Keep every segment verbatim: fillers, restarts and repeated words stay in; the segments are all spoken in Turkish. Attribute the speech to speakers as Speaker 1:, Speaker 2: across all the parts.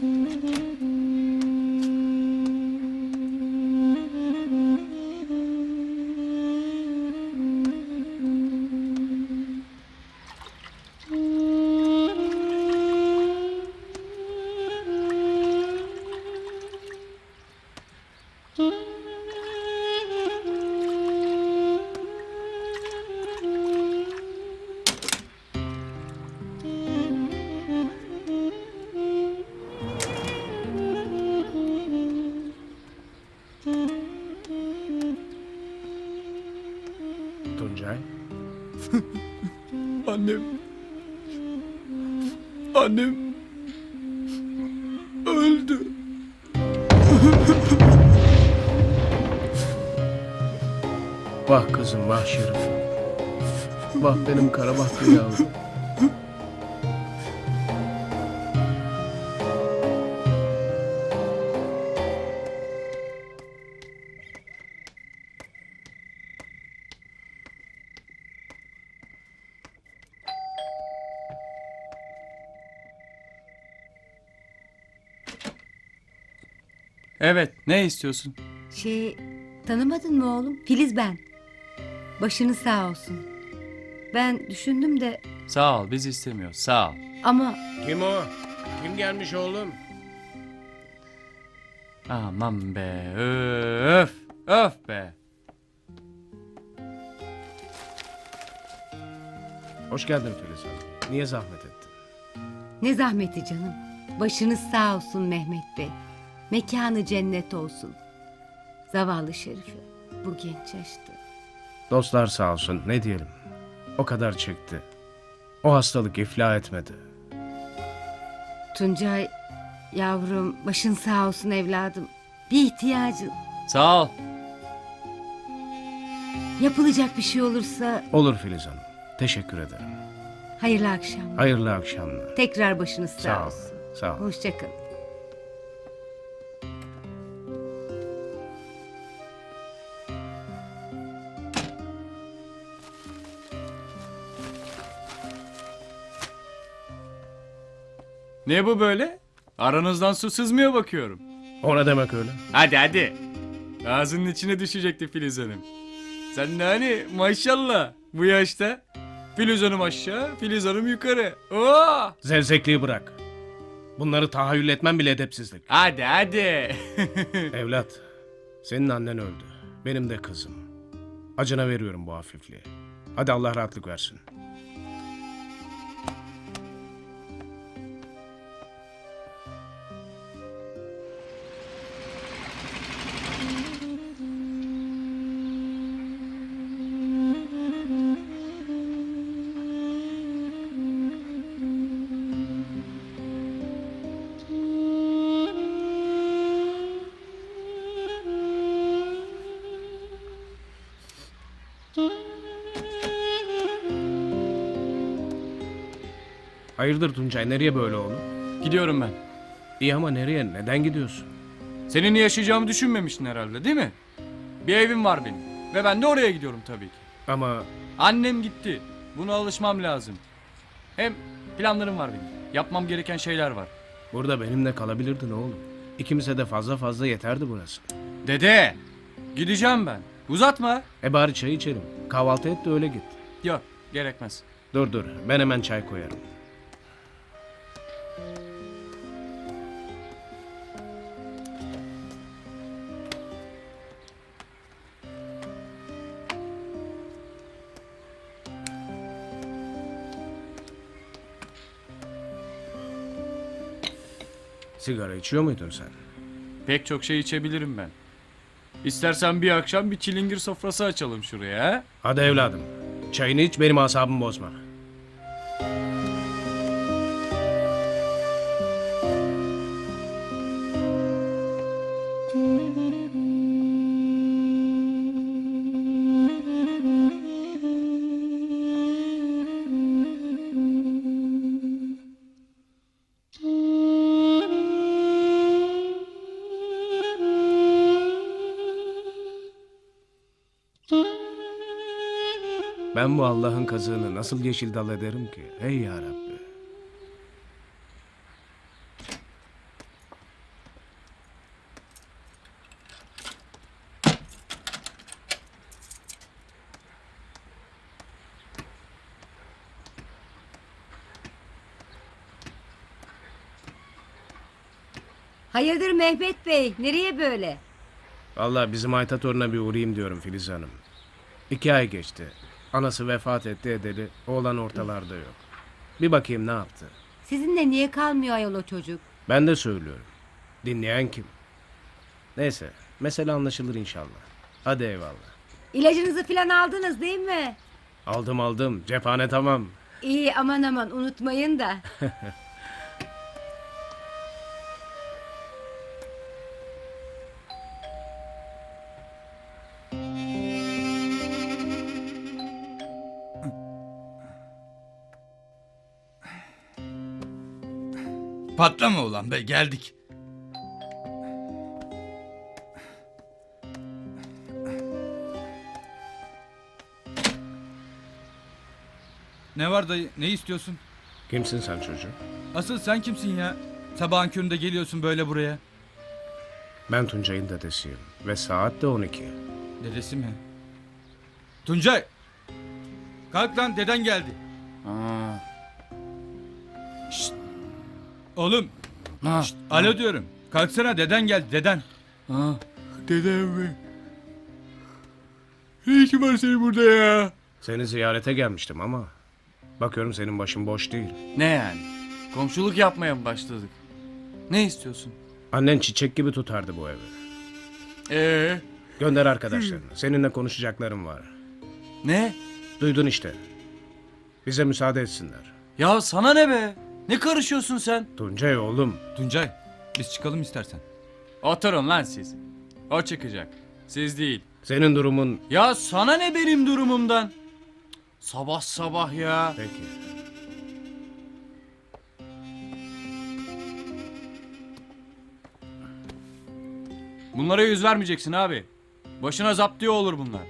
Speaker 1: Tuncay.
Speaker 2: Annem. Annem öldü.
Speaker 1: Vah kızım, vah Şerif. Vah benim kara bahtlı yavrum.
Speaker 2: Evet, ne istiyorsun?
Speaker 3: Şey, tanımadın mı oğlum? Filiz ben. Başınız sağ olsun. Ben düşündüm de
Speaker 2: Sağ ol, biz istemiyoruz. Sağ ol.
Speaker 3: ama
Speaker 1: Kim o? Kim gelmiş oğlum?
Speaker 2: Aman be, öf, öf be.
Speaker 1: Hoş geldin Filiz Hanım. Niye zahmet ettin?
Speaker 3: ne zahmeti canım. Başınız sağ olsun Mehmet Bey. Mekanı cennet olsun. Zavallı Şerife bu genç yaşta.
Speaker 1: Dostlar sağ olsun, ne diyelim. O kadar çekti. O hastalık iflah etmedi.
Speaker 3: Tuncay yavrum, başın sağ olsun evladım. Bir ihtiyacın,
Speaker 2: Sağ ol.
Speaker 3: yapılacak bir şey olursa
Speaker 1: Olur Filiz Hanım. Teşekkür ederim.
Speaker 3: hayırlı akşamlar.
Speaker 1: Hayırlı akşamlar.
Speaker 3: Tekrar başınız sağ,
Speaker 1: Sağ ol.
Speaker 3: olsun.
Speaker 1: Sağ ol.
Speaker 3: Hoşça kalın.
Speaker 2: Ne bu böyle? Aranızdan su sızmıyor bakıyorum.
Speaker 1: O ne demek öyle?
Speaker 2: Hadi hadi. Ağzının içine düşecekti Filiz Hanım. Sen de hani maşallah bu yaşta. Filiz Hanım aşağı, Filiz Hanım yukarı. Oo!
Speaker 1: Zevzekliği bırak. Bunları tahayyül etmem bile edepsizlik.
Speaker 2: Hadi hadi.
Speaker 1: Evlat, senin annen öldü. Benim de kızım. Acına veriyorum bu hafifliği. Hadi Allah rahatlık versin. Hayırdır Tuncay, nereye böyle oğlum?
Speaker 2: Gidiyorum ben.
Speaker 1: İyi ama nereye, neden gidiyorsun?
Speaker 2: Seninle yaşayacağımı düşünmemiştin herhalde değil mi? Bir evim var benim. Ve ben de oraya gidiyorum tabii ki.
Speaker 1: Ama
Speaker 2: Annem gitti. Buna alışmam lazım. Hem planlarım var benim. Yapmam gereken şeyler var.
Speaker 1: burada benimle kalabilirdin oğlum. İkimize de fazla fazla yeterdi burası.
Speaker 2: Dede! Gideceğim ben. Uzatma.
Speaker 1: E bari çay içelim. Kahvaltı et de öyle git.
Speaker 2: Yok, gerekmez.
Speaker 1: Dur dur, ben hemen çay koyarım. Sigara içiyor muydun sen?
Speaker 2: Pek çok şey içebilirim ben. İstersen bir akşam bir çilingir sofrası açalım şuraya. Ha?
Speaker 1: Hadi evladım. Çayını iç, benim asabımı bozma. Ben bu Allah'ın kazığını nasıl yeşil dal ederim ki? Ey ya Rabbi.
Speaker 3: Hayırdır Mehmet Bey? Nereye böyle?
Speaker 1: Vallahi bizim Ayta toruna bir uğrayayım diyorum Filiz Hanım. İki ay geçti. Anası vefat etti edeli. Oğlan ortalarda yok. Bir bakayım ne yaptı.
Speaker 3: Sizinle niye kalmıyor ayol o çocuk?
Speaker 1: Ben de söylüyorum. Dinleyen kim? Neyse. Mesele anlaşılır inşallah. Hadi eyvallah.
Speaker 3: İlacınızı falan aldınız değil mi?
Speaker 1: Aldım aldım. Cephane tamam.
Speaker 3: İyi aman aman unutmayın da.
Speaker 4: Patlama ulan be, geldik. Ne var dayı, ne istiyorsun?
Speaker 1: Kimsin sen çocuğum?
Speaker 4: Asıl sen kimsin ya? Sabahın köründe geliyorsun böyle buraya.
Speaker 1: Ben Tuncay'ın dedesiyim. Ve saat de on iki.
Speaker 4: Dedesi mi? Tuncay! Kalk lan, deden geldi.
Speaker 2: Aa.
Speaker 4: Oğlum,
Speaker 2: Ha.
Speaker 4: şşt, alo diyorum. Kalksana, deden geldi, deden.
Speaker 2: Ha. Dedem mi? Ne işin var senin burada ya?
Speaker 1: Seni ziyarete gelmiştim ama... Bakıyorum senin başın boş değil.
Speaker 2: Ne yani? Komşuluk yapmaya mı başladık? Ne istiyorsun?
Speaker 1: Annen çiçek gibi tutardı bu evi.
Speaker 2: Ee,
Speaker 1: Gönder arkadaşlarını. Seninle konuşacaklarım var.
Speaker 2: ne?
Speaker 1: Duydun işte. Bize müsaade etsinler.
Speaker 2: Ya sana ne be? Ne karışıyorsun sen?
Speaker 1: Tuncay oğlum.
Speaker 4: Tuncay, biz çıkalım istersen.
Speaker 2: Oturun lan siz. O çıkacak. Siz değil.
Speaker 1: Senin durumun...
Speaker 2: Ya sana ne benim durumumdan? Sabah sabah ya.
Speaker 1: Peki.
Speaker 2: Bunlara yüz vermeyeceksin abi. Başına zaptiye olur bunlar.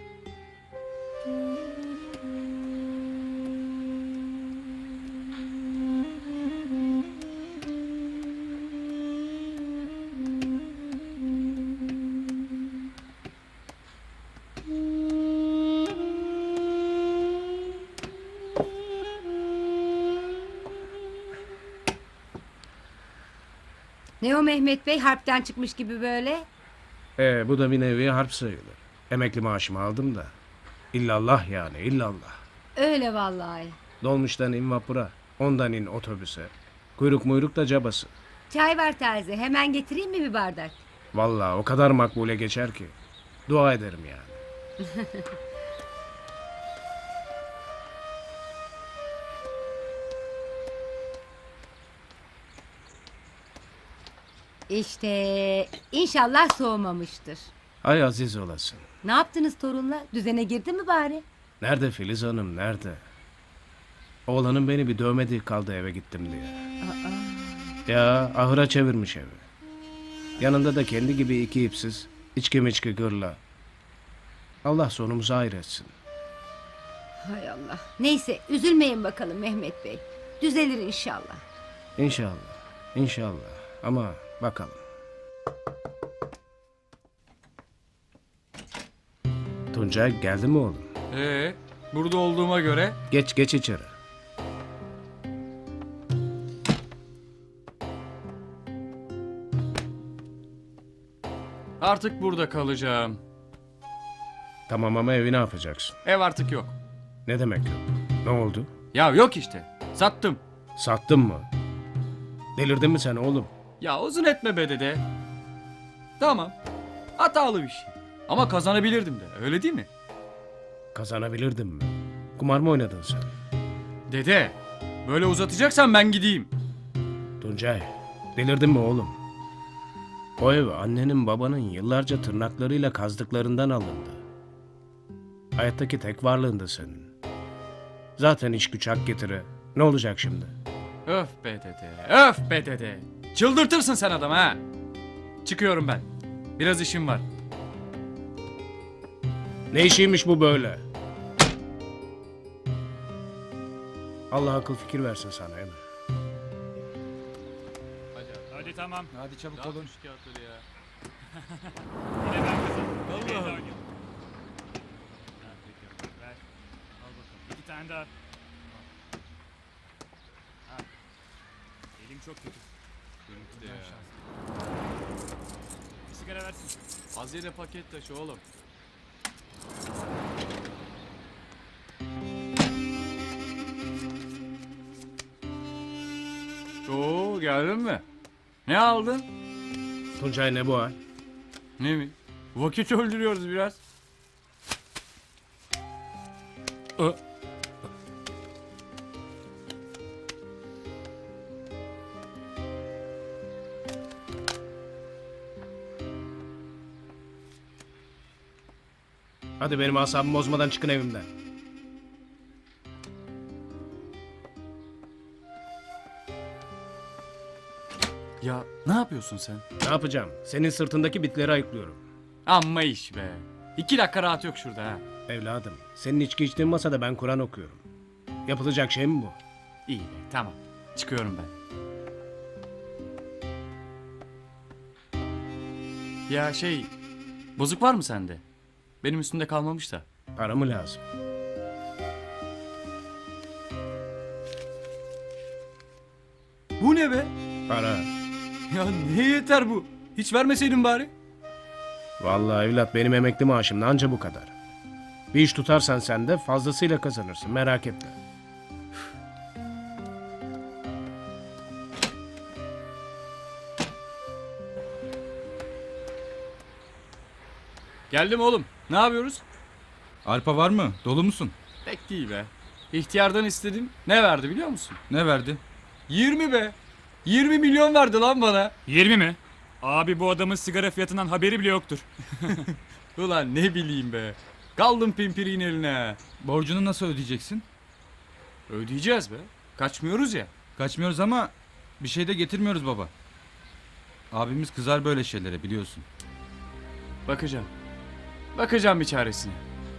Speaker 3: Ne o Mehmet Bey harpten çıkmış gibi böyle?
Speaker 1: Ee, bu da bir nevi harp sayılır. Emekli maaşımı aldım da. İllallah yani illallah.
Speaker 3: Öyle vallahi.
Speaker 1: Dolmuştan in vapura. Ondan in otobüse. Kuyruk muyruk da cabası.
Speaker 3: Çay var taze. Hemen getireyim mi bir bardak?
Speaker 1: Vallahi o kadar makbule geçer ki. Dua ederim yani.
Speaker 3: İşte inşallah soğumamıştır.
Speaker 1: Ay aziz olasın.
Speaker 3: Ne yaptınız torunla? Düzene girdi mi bari?
Speaker 1: Nerede Filiz Hanım nerede? Oğlanın beni bir dövmediği kaldı eve gittim diye. Ya ahıra çevirmiş evi. Yanında da kendi gibi iki ipsiz, içki miçki gırla. Allah sonumuzu hayır etsin.
Speaker 3: Hay Allah. Neyse üzülmeyin bakalım Mehmet Bey. Düzelir inşallah.
Speaker 1: İnşallah, inşallah. Ama bakalım. Tuncay geldi mi oğlum?
Speaker 2: Ee, burada olduğuma göre
Speaker 1: Geç geç içeri.
Speaker 2: artık burada kalacağım.
Speaker 1: Tamam ama evi ne yapacaksın?
Speaker 2: Ev artık yok.
Speaker 1: Ne demek yok? Ne oldu?
Speaker 2: Ya yok işte. Sattım.
Speaker 1: Sattın mı? Delirdin mi sen oğlum?
Speaker 2: Ya uzun etme be dede. Tamam. Hatalı bir şey. Ama kazanabilirdim de. Öyle değil mi?
Speaker 1: Kazanabilirdin mi? Kumar mı oynadın sen?
Speaker 2: Dede. Böyle uzatacaksan ben gideyim.
Speaker 1: Tuncay, delirdin mi oğlum? O ev annenin babanın yıllarca tırnaklarıyla kazdıklarından alındı. Hayattaki tek varlığındı senin. Zaten iş güç hak getire. Ne olacak şimdi?
Speaker 2: Öf be dede. Öf be dede. Çıldırtırsın sen adam ha. Çıkıyorum ben. Biraz işim var.
Speaker 1: Ne işiymiş bu böyle? Allah akıl fikir versin sana Emre.
Speaker 5: Hadi tamam.
Speaker 4: Hadi çabuk olun.
Speaker 2: ya.
Speaker 5: Yine ben kazandım. Yine de oynayalım. Ha, peki. Ver. Al bakalım. İki tane daha. Ha. Elim çok kötü. Bir sigara versin.
Speaker 2: Az yere paket taşı oğlum. Oo, geldin mi? Ne aldın?
Speaker 1: Tuncay ne bu hal?
Speaker 2: Ne mi? Vakit öldürüyoruz biraz. Ö.
Speaker 1: Hadi benim asabımı bozmadan çıkın evimden.
Speaker 2: Ya ne yapıyorsun sen?
Speaker 1: Ne yapacağım? Senin sırtındaki bitleri ayıklıyorum.
Speaker 2: Amma iş be. İki dakika rahat yok şurada ha.
Speaker 1: Evladım, senin içki içtiğin masada ben Kur'an okuyorum. Yapılacak şey mi bu?
Speaker 2: İyi be, tamam. Çıkıyorum ben. Ya şey, bozuk var mı sende? Benim üstümde kalmamış da.
Speaker 1: Para mı lazım?
Speaker 2: Bu ne be?
Speaker 1: Para.
Speaker 2: Ya ne yeter bu? Hiç vermeseydin bari.
Speaker 1: Vallahi evlat benim emekli maaşım da anca bu kadar. Bir iş tutarsan sen de fazlasıyla kazanırsın, merak etme.
Speaker 2: Geldim oğlum. Ne yapıyoruz?
Speaker 4: Arpa var mı? Dolu musun?
Speaker 2: Pek değil be. İhtiyardan istedim. Ne verdi biliyor musun?
Speaker 4: Ne verdi?
Speaker 2: yirmi be. yirmi milyon verdi lan bana.
Speaker 5: yirmi mi? Abi bu adamın sigara fiyatından haberi bile yoktur.
Speaker 2: Ulan ne bileyim be. Kaldım pimpiriğin eline.
Speaker 4: Borcunu nasıl ödeyeceksin?
Speaker 2: Ödeyeceğiz be. Kaçmıyoruz ya.
Speaker 4: Kaçmıyoruz ama bir şey de getirmiyoruz baba. Abimiz kızar böyle şeylere biliyorsun.
Speaker 2: Bakacağım. Bakacağım bir çaresine.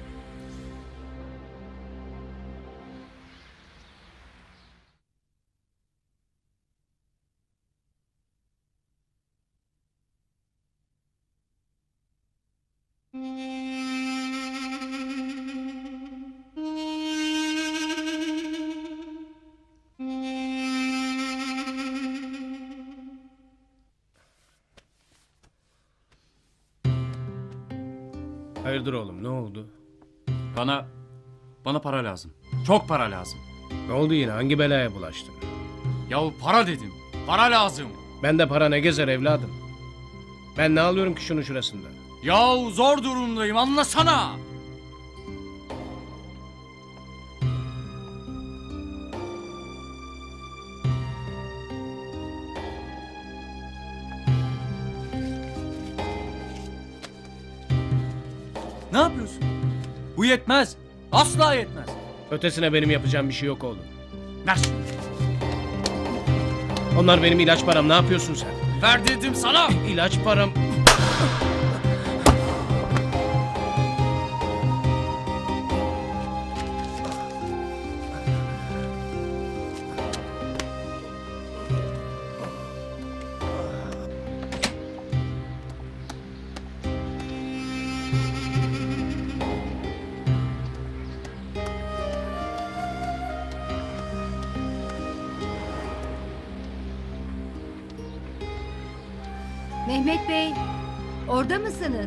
Speaker 1: Hayırdır oğlum, ne oldu?
Speaker 2: Bana, bana para lazım. Çok para lazım.
Speaker 1: Ne oldu yine, hangi belaya bulaştın?
Speaker 2: Yahu para dedim. Para lazım.
Speaker 1: Ben de para ne gezer evladım? Ben ne alıyorum ki şunun şurasında?
Speaker 2: Yahu zor durumdayım anlasana. Ne yapıyorsun? Bu yetmez. Asla yetmez.
Speaker 1: Ötesine benim yapacağım bir şey yok oğlum.
Speaker 2: Ver şunu.
Speaker 1: Onlar benim ilaç param, ne yapıyorsun sen?
Speaker 2: Ver dedim sana.
Speaker 1: İlaç param...
Speaker 3: Mehmet Bey, orada mısınız?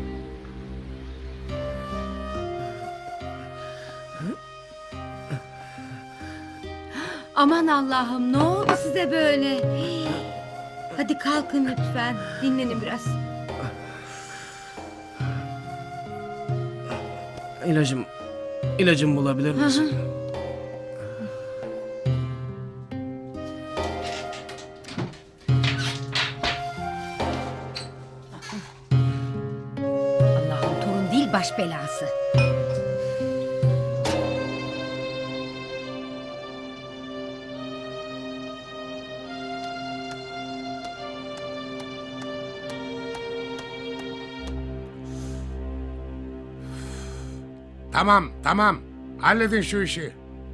Speaker 3: Aman Allah'ım, ne oldu size böyle? Hadi kalkın lütfen, dinlenin biraz.
Speaker 1: İlacım... İlacım bulabilir misin?
Speaker 3: Allah'ım, torun değil baş belası.
Speaker 6: Tamam, tamam. Halledin şu işi.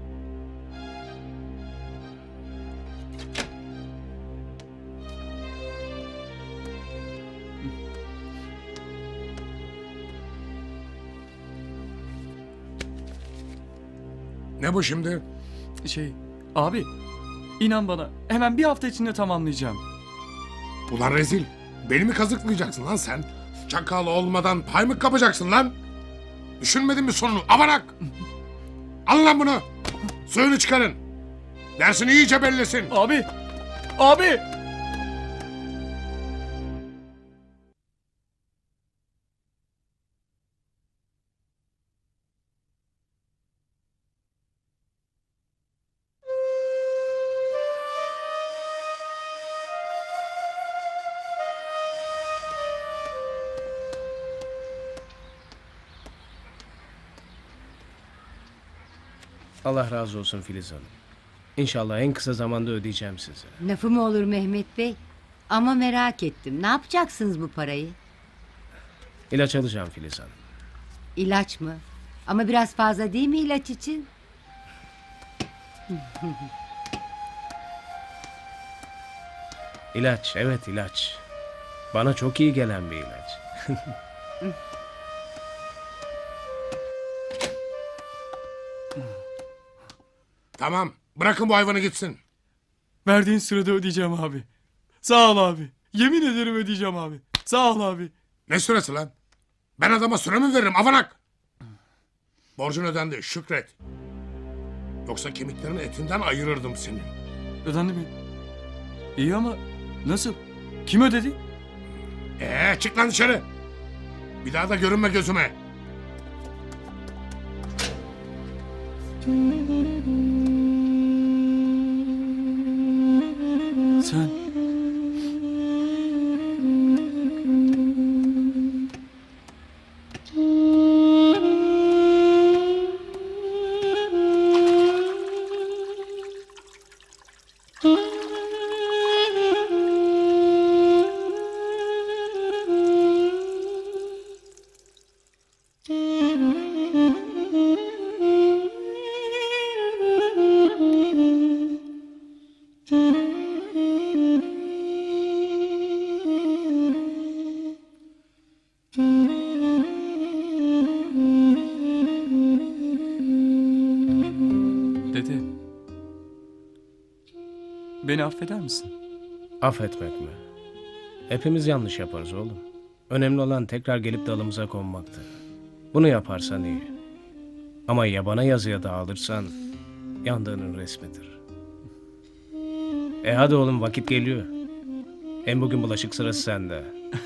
Speaker 6: Ne bu şimdi?
Speaker 2: Şey, abi, inan bana hemen bir hafta içinde tamamlayacağım.
Speaker 6: Ulan rezil. Beni mi kazıklayacaksın lan sen? Çakal olmadan pay mı kapacaksın lan? Düşünmedin mi sonunu? Avanak! Alın lan bunu. Suyunu çıkarın. Dersini iyice bellesin.
Speaker 2: Abi! Abi!
Speaker 1: Allah razı olsun Filiz Hanım. İnşallah en kısa zamanda ödeyeceğim size.
Speaker 3: Lafı mı olur Mehmet Bey? Ama merak ettim. Ne yapacaksınız bu parayı?
Speaker 1: İlaç alacağım Filiz Hanım.
Speaker 3: İlaç mı? Ama biraz fazla değil mi ilaç için?
Speaker 1: İlaç, evet ilaç. Bana çok iyi gelen bir ilaç.
Speaker 6: Tamam. Bırakın bu hayvanı gitsin.
Speaker 2: Verdiğin sırada ödeyeceğim abi. Sağ ol abi. Yemin ederim ödeyeceğim abi. Sağ ol abi.
Speaker 6: Ne süresi lan? Ben adama süre mi veririm avanak? Borcun ödendi şükret. Yoksa kemiklerin etinden ayırırdım seni.
Speaker 2: Ödendi mi? İyi ama nasıl? Kim ödedi?
Speaker 6: Ee çık lan dışarı. Bir daha da görünme gözüme.
Speaker 2: Sen. Dede. Beni affeder misin?
Speaker 1: Affetmek mi? Hepimiz yanlış yaparız oğlum. Önemli olan tekrar gelip dalımıza konmaktır. Bunu yaparsan iyi. Ama yabana yazıya dağılırsan yandığının resmidir. E hadi oğlum vakit geliyor. Hem bugün bulaşık sırası sende.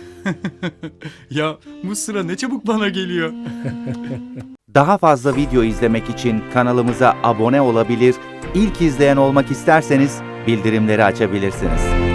Speaker 2: Ya bu sıra ne çabuk bana geliyor.
Speaker 7: Daha fazla video izlemek için kanalımıza abone olabilir, ilk izleyen olmak isterseniz bildirimleri açabilirsiniz.